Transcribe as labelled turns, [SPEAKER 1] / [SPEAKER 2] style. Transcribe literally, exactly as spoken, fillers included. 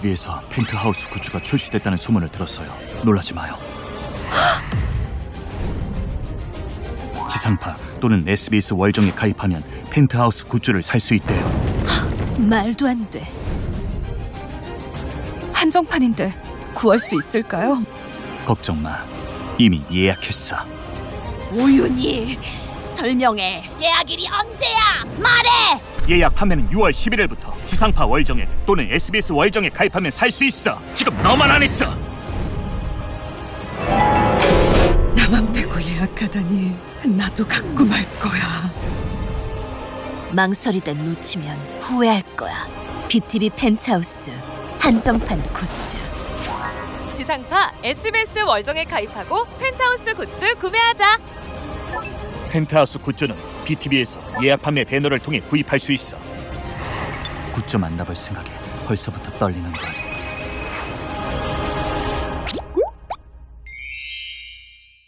[SPEAKER 1] 비티비에서 펜트하우스 굿즈가 출시됐다는 소문을 들었어요. 놀라지 마요. 지상파 또는 에스비에스 월정에 가입하면 펜트하우스 굿즈를 살 수 있대요.
[SPEAKER 2] 말도 안 돼.
[SPEAKER 3] 한정판인데 구할 수 있을까요?
[SPEAKER 1] 걱정 마. 이미 예약했어.
[SPEAKER 2] 오윤희, 설명해.
[SPEAKER 4] 예약일이 언제야? 말해!
[SPEAKER 1] 예약 판매는 유월 십일일부터 지상파 월정에 또는 에스비에스 월정에 가입하면 살 수 있어. 지금 너만 안 했어.
[SPEAKER 2] 나만 빼고 예약하다니 나도 갖고 말 거야. 망설이다 놓치면 후회할 거야. 비티비 펜트하우스 한정판 굿즈.
[SPEAKER 3] 지상파 에스비에스 월정에 가입하고 펜트하우스 굿즈 구매하자.
[SPEAKER 1] 펜트하우스 굿즈는 비티비에서 예약 판매 배너를 통해 구입할 수 있어. 굿즈 만나볼 생각에 벌써부터 떨리는 걸.